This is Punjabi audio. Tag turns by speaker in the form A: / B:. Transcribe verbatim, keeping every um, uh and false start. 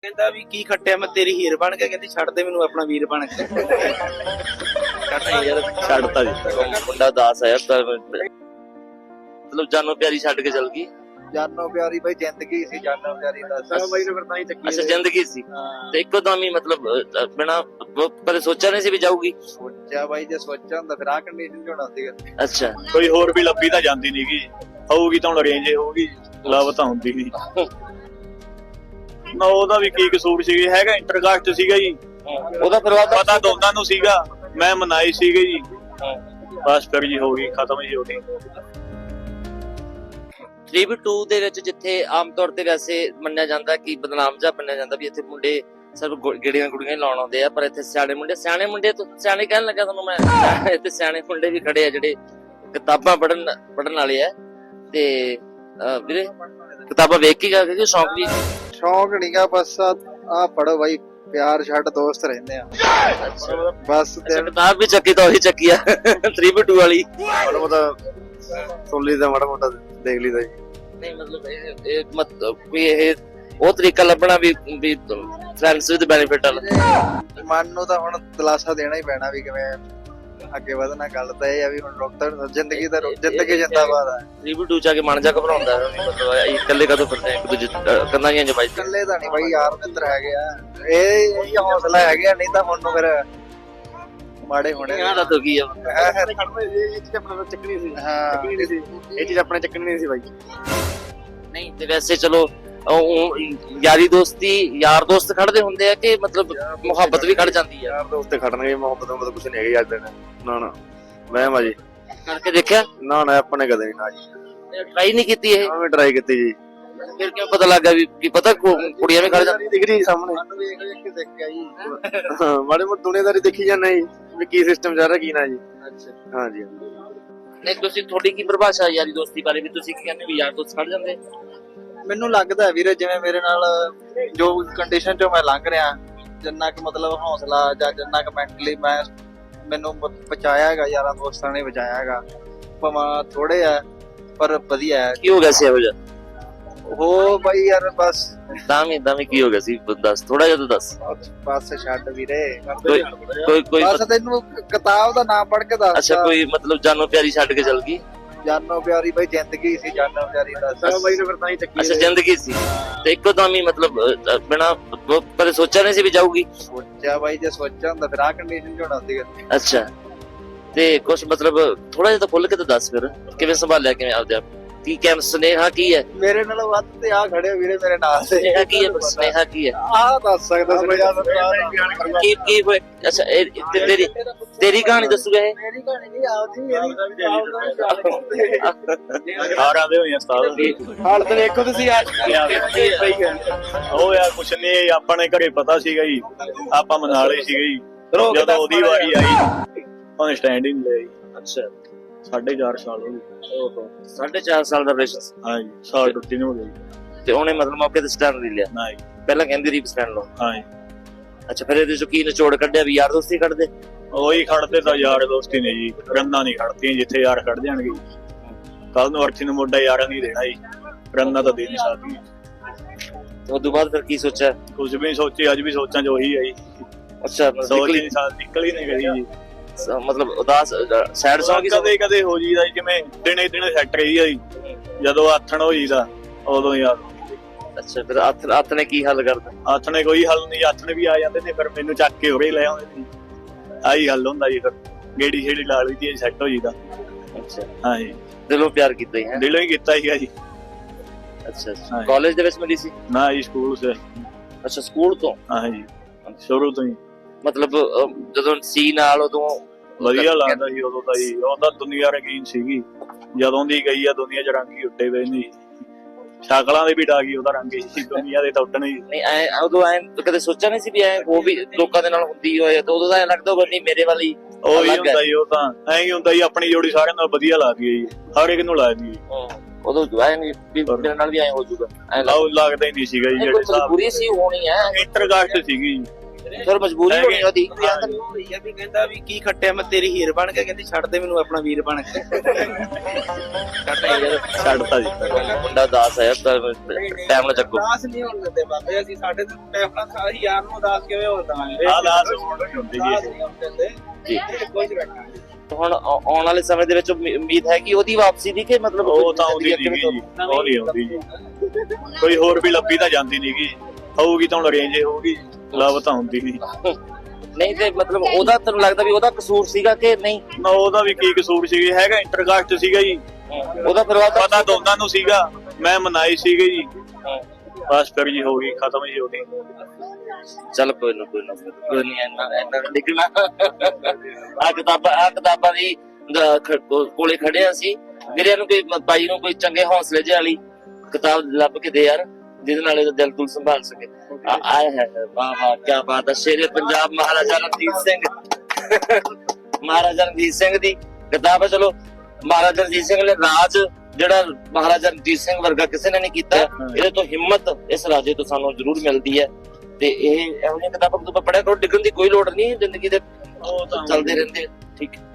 A: ਕਹਿੰਦਾ ਵੀ ਕੀ ਖੱਟਿਆ ਮੈਂ ਤੇਰੀ ਹੀਰ ਬਣ ਕੇ, ਕਹਿੰਦੀ ਛੱਡ ਦੇ ਮੈਨੂੰ ਆਪਣਾ ਵੀਰ ਬਣ ਕੇ।
B: ਨਹੀਂ ਯਾਰ ਛੱਡਤਾ ਦਿੱਤਾ ਮੁੰਡਾ ਦਾਸ ਆਇਆ ਤਾਂ ਮਤਲਬ ਜਾਨੋ ਪਿਆਰੀ ਛੱਡ ਕੇ ਚਲ ਗਈ।
C: ਜਾਨੋ ਪਿਆਰੀ ਬਈ ਜ਼ਿੰਦਗੀ ਸੀ, ਜਾਨੋ ਪਿਆਰੀ ਦਾ ਬਾਈ ਨੇ ਫਿਰ ਤਾਂ ਹੀ ਚੱਕੀ।
B: ਅੱਛਾ ਜ਼ਿੰਦਗੀ ਸੀ ਤੇ ਇੱਕੋ ਦਮ ਹੀ ਮਤਲਬ ਬਿਨਾ ਕਦੇ ਸੋਚਿਆ ਨਹੀਂ ਸੀ ਵੀ ਜਾਊਗੀ।
C: ਸੋਚਿਆ ਬਾਈ ਜੇ ਸੋਚਿਆ ਹੁੰਦਾ ਫਿਰ ਆ ਕੰਡੀਸ਼ਨ ਚ ਹੋਣਾ ਸੀਗਾ।
B: ਅੱਛਾ
D: ਕੋਈ ਹੋਰ ਵੀ ਲੱਭੀ ਤਾਂ ਜਾਂਦੀ ਨੀ ਗੀ, ਹੋਊਗੀ ਤਾਂ ਹੁਣ ਅਰੇਂਜ ਹੋਊਗੀ, ਲਵ ਤਾਂ ਹੁੰਦੀ ਨੀ ਨਾ। ਉਹਦਾ ਵੀ ਕੀ ਕਸੂਰ ਸੀ, ਹੈਗਾ ਇੰਟਰਕਾਸਟ ਸੀਗਾ ਜੀ,
B: ਉਹਦਾ ਪਰਿਵਾਰ
D: ਪਤਾ ਦੋਨਾਂ ਨੂੰ ਸੀਗਾ, ਮੈਂ ਮਨਾਈ ਸੀਗੀ ਜੀ, ਬਸ ਫਿਰ ਜੀ ਹੋ ਗਈ ਖਤਮ ਜੀ ਹੋ ਗਈ।
B: ਥ੍ਰੀ ਬੀ ਟੂ ਦੇ ਵਿੱਚ ਜਿੱਥੇ ਆਮ ਤੌਰ ਤੇ ਵੈਸੇ ਮੰਨਿਆ ਜਾਂਦਾ ਕਿ ਬਦਨਾਮ ਜਿਹਾ ਮੰਨਿਆ ਜਾਂਦਾ ਵੀ ਇੱਥੇ ਮੁੰਡੇ ਸਿਰਫ ਗੇੜੀਆਂ ਗੁੜੀਆਂ ਲਾਉਣ ਆਉਂਦੇ ਆ, ਪਰ ਇੱਥੇ ਸਿਆਣੇ ਮੁੰਡੇ ਸਿਆਣੇ ਮੁੰਡੇ ਤੋਂ ਸਿਆਣੇ ਕਹਿਣ ਲੱਗਾ ਤੁਹਾਨੂੰ ਮੈਂ, ਇੱਥੇ ਸਿਆਣੇ ਮੁੰਡੇ ਵੀ ਖੜੇ ਆ ਜਿਹੜੇ ਕਿਤਾਬਾਂ ਪੜ੍ਹਨ ਪੜ੍ਹਨ ਵਾਲੇ ਆ। ਤੇ ਵੀਰੇ ਕਿਤਾਬਾਂ ਵੇਖ ਕੇ ਗਾ ਕਿ ਸ਼ੌਂਕ ਵੀ
C: ਸ਼ੌਂਕ ਨਹੀਂਗਾ, ਬਸ ਆ ਪੜੋ ਬਾਈ, ਪਿਆਰ ਛੱਡ ਦੋਸਤ ਰਹਿੰਦੇ ਆ ਬਸ।
B: ਕਿਤਾਬ ਵੀ ਚੱਕੀ ਤਾਂ ਉਹੀ ਚੱਕੀ ਆ ਥ੍ਰੀ ਬੀ ਟੂ ਵਾਲੀ।
C: ਮਾੜਾ ਮੋਟਾ ਸੁਣ ਲਈਦਾ, ਮਾੜਾ ਮੋਟਾ ਦੇਖ ਲਈਦਾ ਜੀ।
B: ਨਹੀਂ ਮਤਲਬ ਇਹ ਇਹ ਮਤਲਬ ਵੀ ਇਹ ਉਹ ਤਰੀਕਾ ਲੱਭਣਾ ਵੀ ਵੀ ਫਰੈਂਡਸ ਵਿਦ ਬੈਨੀਫਿਟ ਵਾਲਾ।
C: ਮਨ ਨੂੰ ਤਾਂ ਹੁਣ ਦਿਲਾਸਾ ਦੇਣਾ ਹੀ ਪੈਣਾ ਵੀ ਕਿਵੇਂ ਅੱਗੇ ਵਧਣਾ। ਗੱਲ ਤਾਂ ਇਹ ਆ ਵੀ ਹੁਣ ਰੁਕ ਤਾਂ ਜ਼ਿੰਦਗੀ ਦਾ ਜ਼ਿੰਦਗੀ ਜਿੰਦਾਬਾਦ ਆ।
B: ਥ੍ਰੀ ਬੀ ਟੂ ਚ ਆ ਕੇ ਮਨ ਜਾ ਘਬਰਾਉਂਦਾ ਮਤਲਬ ਇਕੱਲੇ ਕਦੋਂ ਫਿਰਦੇ ਇੱਕ ਦੂਜੇ ਕੰਨਾਂ ਦੀਆਂ ਜਮਾਈ।
C: ਇਕੱਲੇ ਤਾਂ ਨਹੀਂ ਬਾਈ, ਯਾਰ ਮਿੱਤਰ ਹੈਗੇ ਆ, ਇਹ ਇਹ ਹੌਸਲਾ ਹੈਗੇ ਆ, ਨਹੀਂ ਤਾਂ ਹੁਣ ਨੂੰ ਫਿਰ ਮਾੜੇ ਹੋਣੇ।
B: ਇਹਨਾਂ ਦਾ ਤਾਂ ਕੀ ਆ
C: ਇਹ ਚੀਜ਼ ਆਪਣਾ ਚੱਕਣੀ ਸੀ। ਹਾਂ ਇਹ ਚੀਜ਼ ਆਪਣੇ ਚੱਕਣੀ ਨਹੀਂ ਸੀ ਬਾਈ।
B: ਨਹੀਂ ਤੇ ਵੈਸੇ ਚਲੋ ਉਹ ਯਾਰੀ ਦੋਸਤੀ ਯਾਰ ਦੋਸਤ ਖੜਦੇ ਹੁੰਦੇ ਆ ਕਿ ਮਤਲਬ ਮੁਹੱਬਤ ਵੀ ਖੜ ਜਾਂਦੀ ਆ।
C: ਯਾਰ ਦੋਸਤ ਖੜਨਗੇ, ਮੁਹੱਬਤ ਮੁਹੱਬਤ ਕੁਛ ਨਹੀਂ ਹੈਗੀ ਅੱਜ ਦਿਨ। ਨਾ ਨਾ ਮੈਂ ਮਾ ਜੀ
B: ਕਰਕੇ ਦੇਖਿਆ
C: ਨਾ ਨਾ ਆਪਾਂ ਨੇ ਕਦੇ ਨਹੀਂ ਨਾ ਜੀ
B: ਟਰਾਈ ਨਹੀਂ ਕੀਤੀ ਇਹ।
C: ਮੈਂ ਟਰਾਈ ਕੀਤੀ ਜੀ,
B: ਫਿਰ ਕਿਉਂ ਪਤਾ ਲੱਗਾ ਵੀ ਕੀ ਪਤਾ ਕੁੜੀਆਂ ਵੀ ਖੜ ਜਾਂਦੀਆਂ।
C: ਡਿਗਰੀ ਸਾਹਮਣੇ ਵੇਖ ਵੇਖ ਕੇ ਦੇਖਿਆ ਜੀ। ਹਾਂ ਮਾੜੇ ਮੋਟੇ ਦੁਨੀਆਦਾਰੀ ਦੇਖੀ ਜਾਂਦਾ ਜੀ ਵੀ ਕੀ ਸਿਸਟਮ ਚੱਲ ਰਿਹਾ ਕੀ ਨਾ ਜੀ।
B: ਅੱਛਾ
C: ਹਾਂ ਜੀ।
B: ਨਹੀਂ ਤੁਸੀਂ ਤੁਹਾਡੀ ਕੀ ਪਰਿਭਾਸ਼ਾ ਯਾਰੀ ਦੋਸਤੀ ਬਾਰੇ ਵੀ ਤੁਸੀਂ ਕੀ ਕਹਿੰਦੇ ਵੀ ਯਾਰ ਦੋਸਤ ਖੜ ਜਾਂਦੇ?
C: ਮੈਨੂੰ ਲੱਗਦਾ ਵੀਰੇ ਜਿਵੇਂ ਮੇਰੇ ਨਾਲ ਜੋ ਕੰਡੀਸ਼ਨ ਚੋਂ ਮੈਂ ਲੰਘ ਰਿਹਾ, ਜਿੰਨਾ ਕਿ ਮਤਲਬ ਹੌਸਲਾ ਜਾਂ ਜਿੰਨਾ ਕਿ ਮੈਂਟਲੀ ਮੈਂ ਮੈਨੂੰ ਬਚਾਇਆ ਹੈਗਾ, ਯਾਰਾਂ ਦੋਸਤਾਂ ਨੇ ਬਚਾਇਆ ਹੈਗਾ। ਭਾਵੇਂ ਥੋੜੇ ਆ ਪਰ ਵਧੀਆ ਹੈ।
B: ਕੀ ਹੋ ਗਿਆ ਸੀ ਇਹੋ ਜਿਹਾ?
C: ਉਹ ਬਾਈ ਯਾਰ ਬਸ
B: ਦਾਮੀ ਦਾਮੀ ਕੀ ਹੋ ਗਿਆ ਸੀ ਦੱਸ, ਥੋੜਾ ਜਿਹਾ ਤਾਂ ਦੱਸ।
C: ਬਸ ਛੱਡ ਵੀਰੇ,
B: ਕੋਈ ਕੋਈ ਕੋਈ
C: ਬਸ ਤੈਨੂੰ ਕਿਤਾਬ ਦਾ ਨਾਮ ਪੜ੍ਹ ਕੇ ਦੱਸ।
B: ਅੱਛਾ ਕੋਈ ਮਤਲਬ ਜਾਨੋ ਪਿਆਰੀ ਛੱਡ ਕੇ ਚਲ ਗਈ।
C: ਜਾਨੋ ਪਿਆਰੀ ਬਾਈ ਜ਼ਿੰਦਗੀ ਸੀ, ਜਾਨੋ ਪਿਆਰੀ ਦਾ ਬਾਈ ਨੇ ਫਿਰ ਤਾਂ ਹੀ ਚੱਕੀ।
B: ਅੱਛਾ ਜ਼ਿੰਦਗੀ ਸੀ ਤੇ ਇੱਕੋ ਦਮ ਹੀ ਮਤਲਬ ਬਿਨਾ ਕਦੇ ਸੋਚਿਆ ਨਹੀਂ ਸੀ ਵੀ ਜਾਊਗੀ।
C: ਸੋਚਿਆ ਬਾਈ ਜੇ ਸੋਚਿਆ ਹੁੰਦਾ ਫਿਰ ਆ ਕੰਡੀਸ਼ਨ ਚ ਹੋਣਾ ਸੀਗਾ।
B: ਅੱਛਾ ਤੇ ਕੁਛ ਮਤਲਬ ਥੋੜਾ ਜਿਹਾ ਤਾਂ ਖੁੱਲ ਕੇ ਤਾਂ ਦੱਸ ਫਿਰ ਕਿਵੇਂ ਸੰਭਾਲਿਆ, ਕਿਵੇਂ ਆਪਦੇ ਆਪ ਕੀ ਕੈਮ ਸੁਨੇਹਾ ਕੀ ਹੈ?
C: ਮੇਰੇ ਨਾਲ ਵੱਧ ਤੇ ਆ ਖੜੇ ਵੀਰੇ ਮੇਰੇ ਨਾਲ ਤੇ
B: ਸੁਨੇਹਾ ਕੀ ਹੈ? ਸੁਨੇਹਾ ਕੀ ਹੈ
C: ਆ ਦੱਸ ਸਕਦਾ ਸੁਨੇਹਾ
B: ਕੀ ਕੀ ਹੋਇਆ? ਅੱਛਾ ਇਹ ਤੇ ਤੇਰੀ ਤੇਰੀ ਕਹਾਣੀ ਦੱਸੂਗਾ ਇਹ?
C: ਮੇਰੀ ਕਹਾਣੀ ਨਹੀਂ ਆਉਂਦੀ
D: ਸਾਰਿਆਂ ਦੇ ਹੋਈਆਂ ਉਸਤਾਦ
C: ਹਾਲਤ ਦੇਖੋ ਤੁਸੀਂ ਯਾਰ।
D: ਉਹ ਯਾਰ ਕੁਛ ਨੀ, ਆਪਾਂ ਨੇ ਘਰੇ ਪਤਾ ਸੀਗਾ ਜੀ, ਆਪਾਂ ਮਨਾ ਲਈ ਸੀਗਾ ਜੀ। ਜਦੋਂ ਉਹਦੀ ਵਾਰੀ ਆਈ ਉਹਨੇ ਸਟੈਂਡ ਹੀ ਨਹੀਂ ਲਿਆ।
B: ਅੱਛਾ
D: ਸਾਢੇ ਚਾਰ ਸਾਲ ਹੋ ਗਏ।
B: ਓਹੋ ਸਾਢੇ ਚਾਰ ਸਾਲ ਦਾ ਰਿਲੇਸ਼ਨ।
D: ਹਾਂ ਜੀ ਸਾਲ ਟੁੱਟੀ ਨੂੰ ਹੋ ਗਈ।
B: ਤੇ ਉਹਨੇ ਮਤਲਬ ਮੌਕੇ ਤੇ ਸਟੈਂਡ ਨਹੀਂ ਲਿਆ?
D: ਨਾ ਜੀ।
B: ਪਹਿਲਾਂ ਕਹਿੰਦੀ ਰੀ ਸਟੈਂਡ ਲਓ।
D: ਹਾਂ ਜੀ।
B: ਅੱਛਾ ਫਿਰ ਇਹਦੇ ਚੋਂ ਕੀ ਨਿਚੋੜ ਕੱਢਿਆ ਵੀ ਯਾਰ ਦੋਸਤੀ ਕੱਢਦੇ?
D: ਉਹੀ ਖੜਦੇ ਤਾਂ ਯਾਰ ਦੋਸਤੀ ਨੇ ਜੀ, ਰੰਨਾਂ ਨਹੀਂ ਖੜਦੀਆਂ ਜਿੱਥੇ ਯਾਰ ਖੜ ਜਾਣਗੇ। ਕੱਲ ਨੂੰ ਅਰਥੀ ਨੂੰ ਮੋਢਾ ਯਾਰਾਂ ਨਹੀਂ ਦੇਣਾ ਜੀ, ਰੰਨਾਂ ਤਾਂ ਦੇ ਨਹੀਂ ਸਕਦੀ।
B: ਤੇ ਉਸ ਤੋਂ ਬਾਅਦ ਫਿਰ ਕੀ ਸੋਚਿਆ?
D: ਕੁਝ ਵੀ ਨੀ ਸੋਚੀ, ਅੱਜ ਵੀ ਸੋਚਾਂ ਚ ਉਹੀ ਹੈ ਜੀ।
B: ਅੱਛਾ
D: ਸੋਚ ਹੀ ਨਹੀਂ ਸਕਦੀ, ਨਿਕਲ ਹੀ ਨਹੀਂ ਗਈ ਜੀ।
B: ਮਤਲਬ ਉਦਾਸ ਸੈਡ ਸੌਂਗ
D: ਕਦੇ ਕਦੇ ਹੋ ਜੀਦਾ ਜੀ, ਜਿਵੇਂ ਦਿਨੇ ਦਿਨੇ ਸੈੱਟ ਰਹੀ ਆ ਜੀ, ਜਦੋਂ ਆਥਣ ਹੋ ਜੀਦਾ ਉਦੋਂ ਯਾਦ।
B: ਅੱਛਾ ਫਿਰ ਹੱਥ ਹੱਥ ਨੇ ਕੀ ਹੱਲ ਕਰਦਾ?
D: ਹੱਥ ਨੇ ਕੋਈ ਹੱਲ ਨਹੀਂ, ਹੱਥ ਨੇ ਵੀ ਆ ਜਾਂਦੇ ਨੇ, ਫਿਰ ਮੈਨੂੰ ਚੱਕ ਕੇ ਉਰੇ ਲੈ ਆਉਂਦੇ ਨੇ। ਆਹੀ ਹੱਲ ਹੁੰਦਾ ਜੀ, ਫਿਰ ਗੇੜੀ ਛੇੜੀ ਲਾ ਲਈ ਦੀ ਸੈੱਟ ਹੋ ਜੀਦਾ।
B: ਅੱਛਾ
D: ਹਾਂ ਜੀ।
B: ਦਿਲੋਂ ਪਿਆਰ ਕੀਤਾ ਹੀ ਹੈ?
D: ਦਿਲੋਂ ਹੀ ਕੀਤਾ ਸੀਗਾ ਜੀ।
B: ਅੱਛਾ ਕਾਲਜ ਦੇ ਵਿੱਚ ਮਿਲੀ ਸੀ?
D: ਨਾ ਜੀ ਸਕੂਲ ਸੇ।
B: ਅੱਛਾ ਸਕੂਲ ਤੋਂ?
D: ਹਾਂ ਜੀ ਸ਼ੁਰੂ ਤੋਂ ਹੀ।
B: ਮਤਲਬ ਜਦੋਂ ਸੀ ਨਾਲ ਉਦੋਂ
D: ਵਧੀਆ ਲੱਗਦਾ ਸੀ ਉਦੋਂ ਤਾਂ ਜੀ, ਉਹਦਾ ਦੁਨੀਆ ਰੰਗੀਨ ਸੀਗੀ। ਜਦੋਂ ਦੀ ਗਈ ਆ ਦੁਨੀਆ ਚ ਰੰਗ ਹੀ ਉੱਡੇ ਪਏ ਨੇ, ਸ਼ਕਲਾਂ ਦੇ ਵੀ ਡਾਗੀ ਉਹਦਾ ਰੰਗ ਹੀ, ਦੁਨੀਆ ਦੇ ਤਾਂ ਉੱਡਣ ਹੀ।
B: ਨਹੀਂ ਐ ਉਦੋਂ ਐ ਕਦੇ ਸੋਚਿਆ ਨਹੀਂ ਸੀ ਵੀ ਐ ਉਹ ਵੀ ਲੋਕਾਂ ਦੇ ਨਾਲ ਹੁੰਦੀ ਹੋਏ? ਤਾਂ ਉਦੋਂ ਤਾਂ ਐ ਲੱਗਦਾ ਹੋਵੇ ਨਹੀਂ ਮੇਰੇ ਵਾਲੀ
D: ਉਹ ਹੀ ਹੁੰਦਾ ਜੀ, ਉਹ ਤਾਂ ਐਂ ਹੀ ਹੁੰਦਾ ਜੀ, ਆਪਣੀ ਜੋੜੀ ਸਾਰਿਆਂ ਨਾਲ ਵਧੀਆ ਲੱਗਦੀ ਹੈ ਜੀ, ਹਰ ਇੱਕ ਨੂੰ ਲੱਗਦੀ ਹੈ।
B: ਉਦੋਂ ਐ ਨਹੀਂ ਵੀ ਮੇਰੇ ਨਾਲ ਵੀ ਐ ਹੋ ਜਾਊਗਾ, ਐ
D: ਲੱਗਦਾ ਹੀ ਨਹੀਂ ਸੀਗਾ ਜੀ। ਜਿਹੜੇ ਹਿਸਾਬ
B: ਪੂਰੀ ਸੀ ਹੋਣੀ ਐ
D: ਇੰਟਰਕਾਸਟ ਸੀਗੀ,
A: ਫਿਰ ਮਜਬੂਰੀ
D: ਹੈਗੇ।
A: ਹੋਣੀ ਉਹਦੀ
D: ਹਾਂ ਜੀ।
A: ਹੋਈ ਆ ਵੀ ਕਹਿੰਦਾ ਵੀ ਕੀ ਖੱਟਿਆ ਮੈਂ ਤੇਰੀ ਹੀਰ ਬਣ ਕੇ ਕਹਿੰਦੀ ਛੱਡ ਦੇ ਮੈਨੂੰ ਆਪਣਾ ਵੀਰ ਬਣ ਕੇ
D: ਛੱਡਤਾ ਜੀ
B: ਮੁੰਡਾ ਦਾਸ ਹੈ ਟਾਈਮ ਨਾਲ ਚੱਕੋ।
A: ਉਦਾਸ ਨਹੀਂ ਹੋਣ ਦਿੰਦੇ ਬਾਬੇ ਅਸੀਂ ਸਾਡੇ ਤੇ ਟਾਈਮ ਨਾਲ ਸਾਰੀ ਯਾਰ ਨੂੰ ਉਦਾਸ ਕਿਵੇਂ ਹੋਣ ਦਵਾਂਗੇ
D: ਆਹ ਦਾਸ ਹੋਣ ਨਹੀਂ ਹੁੰਦੀ
A: ਉਦਾਸ
D: ਜੀ
A: ਨਹੀਂ ਹੋਣ ਦਿੰਦੇ
B: ਜੀ।
A: ਕੁਝ ਰੱਖਾਂਗੇ
B: ਹੁਣ ਆਉ- ਆਉਣ ਵਾਲੇ ਸਮੇਂ ਦੇ ਵਿੱਚ ਉਮੀ- ਉਮੀਦ ਹੈ ਕਿ ਉਹਦੀ ਵਾਪਸੀ ਦੀ ਕਿ ਮਤਲਬ
D: ਉਹ ਤਾਂ ਆਉਂਦੀ ਨਹੀਂ ਜੀ ਉਹ ਨਹੀਂ ਆਉਂਦੀ ਜੀ ਕੋਈ ਹੋਰ ਵੀ ਲੱਭੀ ਤਾਂ ਜਾਂਦੀ ਨਹੀਂ ਗੀ ਹੋਊਗੀ ਤਾਂ ਹੁਣ ਅਰੇਂਜ ਹੋਊਗੀ ਲੱਭ ਤਾਂ ਹੁੰਦੀ ਨਹੀਂ
B: ਨਹੀਂ ਤੇ ਮਤਲਬ ਉਹਦਾ ਤੈਨੂੰ ਲੱਗਦਾ ਵੀ ਉਹਦਾ ਕਸੂਰ ਸੀਗਾ ਕਿ ਨਹੀਂ?
D: ਨਾ ਉਹਦਾ ਵੀ ਕੀ ਕਸੂਰ ਸੀ ਹੈਗਾ ਇੰਟਰਕਾਸਟ ਸੀਗਾ ਜੀ
B: ਉਹਦਾ ਪਰਿਵਾਰ ਦਾ
D: ਪਤਾ ਦੋਨਾਂ ਨੂੰ ਸੀਗਾ ਮੈਂ ਮਨਾਈ ਸੀਗੇ ਜੀ ਬਸ ਫਿਰ ਜੀ ਹੋ ਗਈ ਖਤਮ ਜੀ ਉਹਦੀ
B: ਚੱਲ ਕੋਈ ਨਾ ਕੋਈ ਨਾ ਕੋਈ ਨਹੀਂ ਇੰਨਾ ਇੰਨਾ ਨਿਕਲਣਾ ਆ ਕਿਤਾਬਾਂ ਆ ਕਿਤਾਬਾਂ ਦੀ ਦ- ਖ- ਕੋ- ਕੋਲੇ ਖੜੇ ਆ ਸੀ ਵੀਰਿਆਂ ਨੂੰ ਕੋਈ ਮ- ਬਾਈ ਨੂੰ ਕੋਈ ਚੰਗੇ ਹੌਸਲੇ ਜਿਹੇ ਵਾਲੀ ਕਿਤਾਬ ਲੱਭ ਕੇ ਦੇ ਯਾਰ ਜਿਹਦੇ ਨਾਲ ਇਹਦਾ ਦਿਲ ਦੁਲ ਸੰਭਾਲ ਸਕੇ ਆ ਆਏ ਹੈ ਵਾਹ ਵਾਹ ਕੀ ਬਾਤ ਹੈ ਸ਼ੇਰੇ ਪੰਜਾਬ ਮਹਾਰਾਜਾ ਰਣਜੀਤ ਸਿੰਘ ਮਹਾਰਾਜਾ ਰਣਜੀਤ ਸਿੰਘ ਦੀ ਕਿਤਾਬ ਹੈ। ਚਲੋ ਮਹਾਰਾਜਾ ਰਣਜੀਤ ਸਿੰਘ ਨੇ ਰਾਜ ਜਿਹੜਾ ਮਹਾਰਾਜਾ ਰਣਜੀਤ ਸਿੰਘ ਵਰਗਾ ਕਿਸੇ ਨੇ ਨਹੀਂ ਕੀਤਾ ਇਹਦੇ ਤੋਂ ਹਿੰਮਤ ਇਸ ਰਾਜੇ ਤੋਂ ਸਾਨੂੰ ਜ਼ਰੂਰ ਮਿਲਦੀ ਹੈ ਤੇ ਇਹ ਇਹੋ ਜਿਹੀਆਂ ਕਿਤਾਬਾਂ ਤੁਸੀਂ ਪੜ੍ਹਿਆ ਕਰੋ ਡਿੱਗਣ ਦੀ ਕੋਈ ਲੋੜ ਨਹੀਂ ਜ਼ਿੰਦਗੀ ਦੇ
D: ਉਹ ਤਾਂ
B: ਚੱਲਦੇ ਰਹਿੰਦੇ ਆ। ਠੀਕ